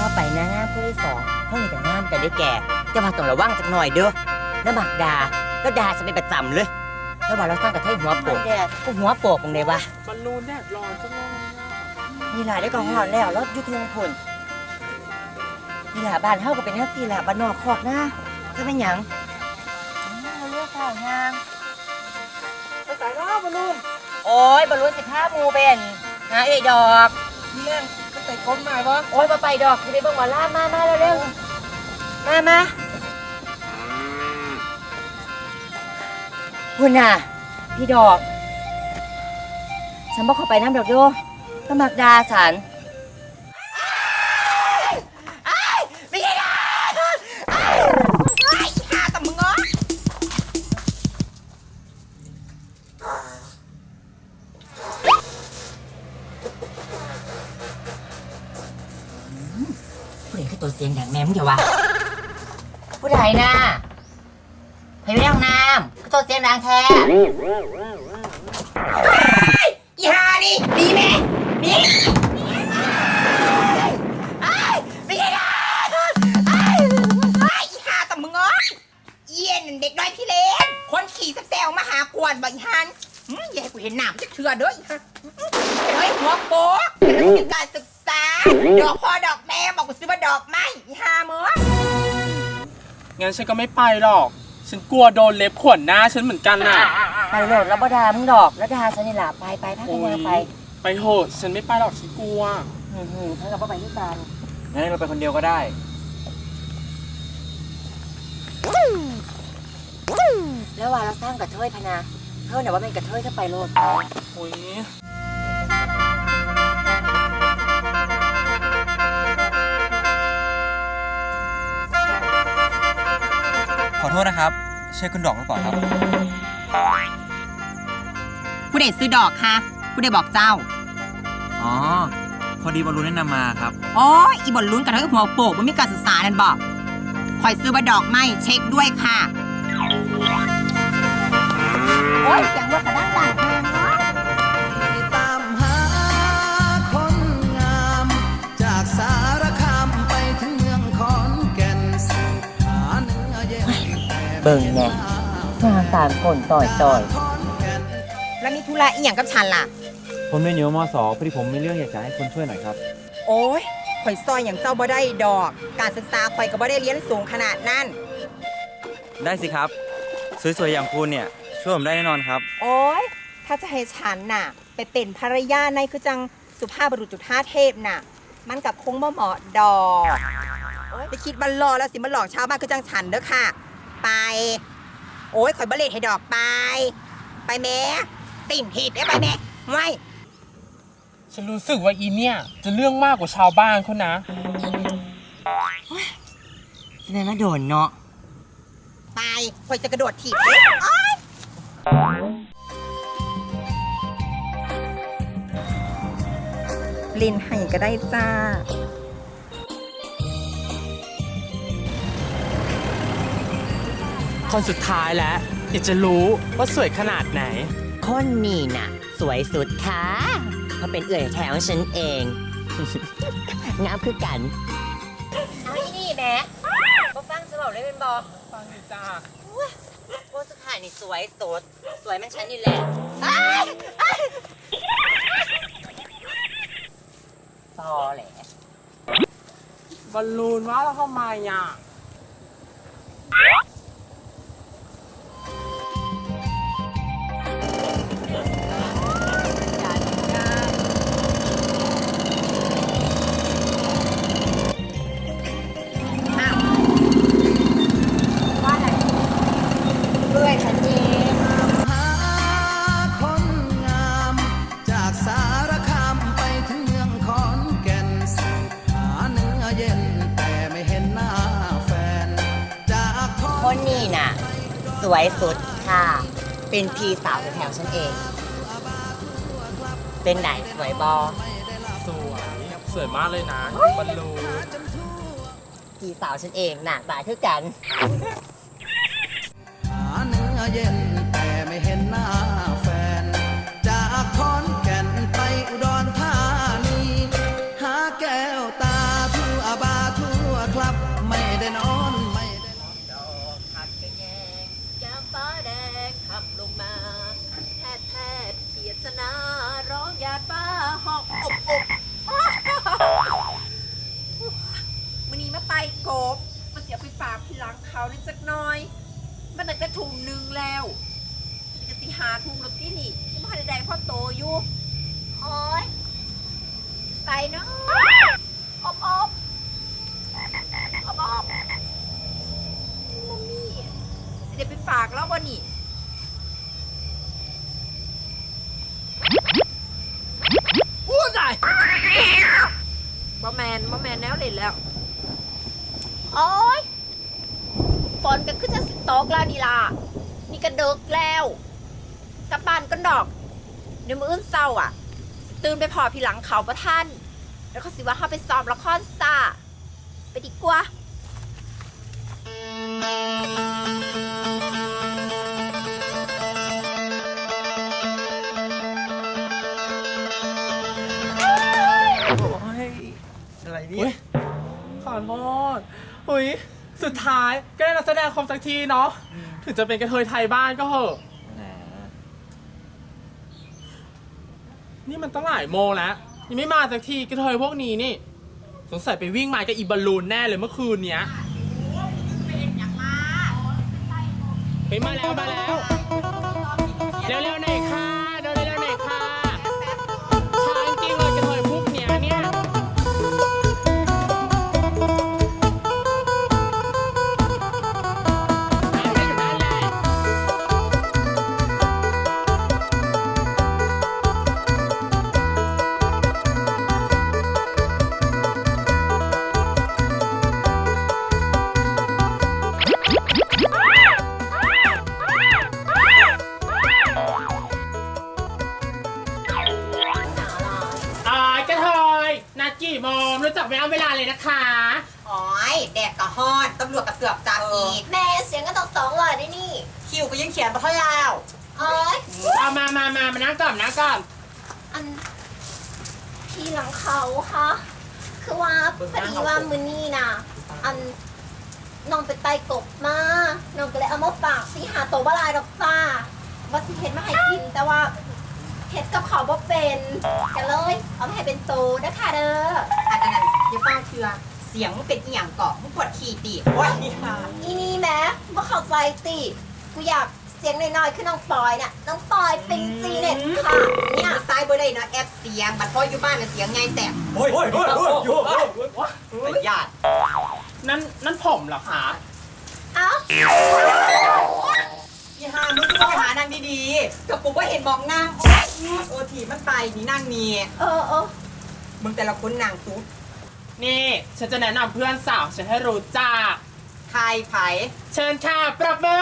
ไปนะงามผู้ที่สองเท่านี้แต่งามกันได้แก่จะมาต้องระวังจักหน่อยเด้อแล้วหมักดาก็ดาจะเป็นประจำเลยแล้วว่าเราสร้างกระเทยหัวโปกก็หัวโปกตรงไหนวะบอลลูนแดดร้อนจังเลยนี่หลายได้กองหอนแล้วรถยุทธงพลนี่หลาบ้านเฮาก็เป็นแค่สี่หลาบ้านนอกคอกนะจะเป็นหยังเราเลือกข้าวยางไปใส่รอบบอลลูนโอ้ยบอลลูน15 มูเป็นหาเอกดอกนี่เล่นก็ใส่ก้นใหม่ปะโอ้ยมาไปดอกจะไปเบิ่งหมอลามาเร็วๆมาคุณน่ะพี่ดอกฉันบอกเขาไปน้ำดอกโยก็มักดาฉันไม่ใช่ดาหาแต่มึงง้อผู้ใดคือตัวเสียงดังแม่มึงอย่าวะผู้ใดน่ะไปไม่ได้ห้องน้ำคือตัวเสียงดังแท้อีหานี่ดีไหมดีไม่ใช่ดาอีหาแต่มึงง้อเย็นเด็กน้อยพี่เลนคนขี่แซวมาหากวนบ่อีหันอย่าให้กูเห็นหนามจะเถื่อเด้ออีฮะเฮ้ยหัวโป๊กเป็นการศึกษาดอกพ่อดอกแม่บอกกูซื้อมาดอกไม้อีหามึงงั้นฉันก็ไม่ไปหรอกฉันกลัวโดนเล็บข่วนหน้าฉันเหมือนกันน่ะไปโหลดแล้วบ่ดามึงดอกแล้วดาฉันนี่ล่ะไปพักกันยังไปไปโหดฉันไม่ไปหรอกฉันกลัวเท่ากับว่าไปที่กันงั้นเราไปคนเดียวก็ได้แล้วว่าเราสร้างกระเทยพนาเท่าไหร่ว่าเป็นกระเทยถ้าไปโลดโอ้ยขอโทษนะครับใช่คุณดอกหรือเปล่าครับผู้ใดซื้อดอกคะผู้ใดบอกเจ้าอ๋อพอดีบอลลูนแนะนำมาครับอ๋ออีบอลลุ้นกระเทยหัวโปกมันมีการศึกษานั่นบอกคอยซื้อมาดอกไม้เช็คด้วยค่ะโอ้ยเสียงว่ากระด้างด่างแพงเนาะตามหาคนงามจากสารคามไปถึงเมืองขอนแก่นหาเนื้อเย็นเบิ่งแน่สร้างตามคนต่อยแล้วมีธุระอีหยังกับฉันล่ะผมเรียนอยู่ม.2 พอดีผมมีเรื่องอยากจะให้คุณช่วยหน่อยครับโอ้ยข่อยซอยอย่างเจ้าบ่ได้ดอกการศึกษาข่อยก็บ่ได้เรียนสูงขนาดนั้นได้สิครับสวยๆอย่างคุณเนี่ยช่วยผมได้แน่นอนครับโอ้ยถ้าจะให้ฉันน่ะไปเป็นภรรยาในคือจังสุภาพบุรุษจุฑาเทพน่ะมันกับคงบ่เหมาะดอกไปคิดบันรอแล้วสิมันหลอกชาวบ้านคือจังฉันเด้อค่ะไปโอ้ยข่อยบ่เล่นให้ดอกไปแม่ติ่มหีดได้ไปแม่ไม่ฉันรู้สึกว่าอีเนี่ยจะเรื่องมากกว่าชาวบ้านเขานะแสดงว่าโดนเนาะไปข่อยจะกระโดดถีบเลยลินให้ก็ได้จ้าคนสุดท้ายแล้วอยากจะรู้ว่าสวยขนาดไหนคนนี้น่ะสวยสุดค่ะเพราะเป็นเอื่อยแถวฉันเอง งามคือกันเอาอีนี่แม่ก็ฟังสบอกเลยเป็นบอกฟังอยู่จ้าโคสุดท้ายนี่สวยสุดสวยมันฉันนี่แหละพอแหละบอลลูนว่าแล้วทำไมอ่ะคนนี้น่ะสวยสุดค่ะเป็นพี่สาวแถวฉันเองเป็นไหนสวยบอสวยมากเลยนะบอลลูนพี่สาวฉันเองหน้าตาคือกันหาเนื้อเย็นแต่ไม่เห็นหน้าแฟนจากขอนแก่นไปอุดรธานีหาแก้วตาทั่วบางเขานิดสักหน่อย มันตั้งแต่ทุ่มหนึ่งแล้วนี่ก็สิหาทุ่มแล้วที่นี่ยังไม่ทันได้พ่อโตอยู่โอ้ยไปเนาะอบอบอบอบมัมมี่เดี๋ยวไปฝากแล้ววันนี้พูดได้บ่แมนแนวเล่นแล้ว โอ๊ยฝนก็ขึ้นจะสิตกแล้วนี่ล่ะ นี่ก็เดึกแล้วกลับบ้านก็ดอก เดี๋ยวมื้ออื่นเศร้าอ่ะ ตื่นไปพอพี่หลังเขาประท่าน แล้วก็สิว่าเข้าไปซ้อมละครซ่าไปดีกว่าโอ้ย อะไรเนี่อุ้ยยขอโทษอุ้ยสุดท้ายก็ได้นักแสดงครบสักทีเนาะถึงจะเป็นกระเทยไทยบ้านก็เหอะแหมนี่มันตั้งหลายโมงแล้วยังไม่มาสักทีกระเทยพวกนี้นี่สงสัยไปวิ่งมากับอีบอลลูนแน่เลยเมื่อคืนเนี้ยไปมาแล้วเร็วๆหน่อยค่ะเร็วๆหน่อยค่ะช้าจริงเลยกระเทยพวกเนี้ยเนี่ยกระเทยนัดกี่โมงรู้จักไม่เอาเวลาเลยนะคะโอ้ยแดกกะฮอดตำรวจกระเสือกจับอีกแม่เสียงก็ต้อง200ได้นี่คิวก็ยังเขียนมาเท่าแล้วเอ้ยเอามานั่งก่อนนะก่อนอันพี่หลังเขาค่ะคือว่าพอดีว่ามือนี่นะอันน้องไปไต่กบมาน้องก็เลยเอามาฝากสิหาโตวบลายดอกจ้าว่าสิเห็ดมาให้กินแต่ว่าเห็ดกับเขาบ่เป็นกันเลยเอามาให้เป็นโตนะคะเด้ออันนั้นอย่าฟังเชื่อเสียงมันเป็นอีหยังเกาะมึงปวดขี้ตีโอ้ยนี่ค่ะอีนี่แม้บ่เข้าใจติกูอยากเสียงน้อยๆคือน้องปอยน่ะน้องปอยเป็นจีเน็ตค่ะเนี่เนี่ย ยซ้ายบ่ได้นะแอปเสียงบัดพ่ออยู่บ้านน่ะเสียงไงแต่โอ้ยประหยัดนั่นผมเหรอคะเอ้าพี่ฮามึงก็ไปหานางดีๆกับกูว่าเห็นมองนางโอ้ทีมันไปนี่นางนี่เออมึงแต่ละคนนางตุ๊ดนี่ฉันจะแนะนำเพื่อนสาวฉันให้รู้จักใครไผเชิญค่ะปรบมือ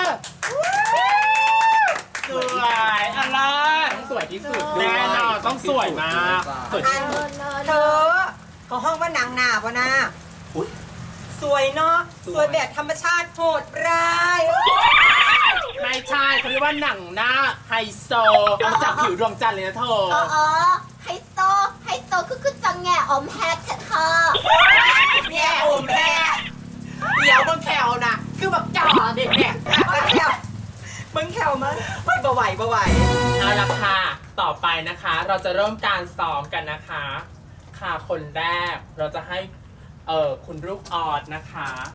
สวยอะไรต้องสวยที่สุดแน่นอนต้องสวยมากสวยอัที่นสุดเธอเขาห้องว่านางหนาบ่นะอุ๊ยสวยเนาะสวยแบบธรรมชาติโหดร้ายไม่ใช่เขาเรียกว่าหนังหน้าไฮโซเอาจากผิวดวงจันทร์เลยนะเธออ๋อไฮโซคือจังแง่อมแฮกค่ะเนี่ยโอมแม่เดี๋ยวมึงแขวนะคือแบบจ่อเด็กเนี่ยมึงแขวมั้งไม่บ่ไหวเอาละค่ะ ต่อไปนะคะ เราจะเริ่มการซ้อมกันนะคะ ค่ะคนแรกเราจะให้คุณลูกออดนะคะ